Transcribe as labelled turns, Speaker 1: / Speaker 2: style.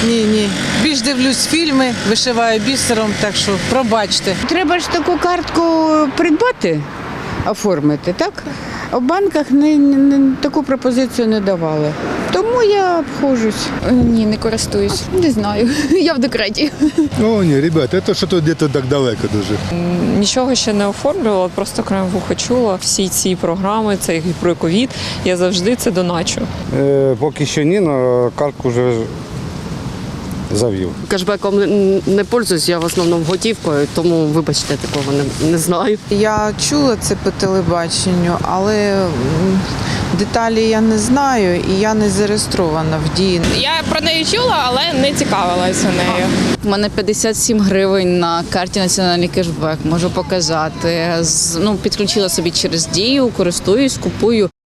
Speaker 1: Ні. Більш дивлюсь фільми, вишиваю бісером, так що пробачте.
Speaker 2: Треба ж таку картку придбати, оформити, так? А в банках таку пропозицію не давали. Тому я обходжусь.
Speaker 3: Ні, не користуюсь. Не знаю. Я в декреті.
Speaker 4: О, ні, ребята, це що-то десь так далеко дуже.
Speaker 5: Нічого ще не оформлювала, просто краєм вуха чула всі ці програми, це і про ковід. Я завжди це доначу.
Speaker 6: Поки що ні, але картку вже завів.
Speaker 7: Кешбеком не пользуюсь, я в основному готівкою, тому, вибачте, такого не знаю.
Speaker 1: Я чула це по телебаченню, але деталі я не знаю і я не зареєстрована в Дії.
Speaker 8: Я про неї чула, але не цікавилася нею.
Speaker 3: У мене 57 гривень на карті «Національний кешбек». Можу показати. Підключила собі через Дію, користуюсь, купую.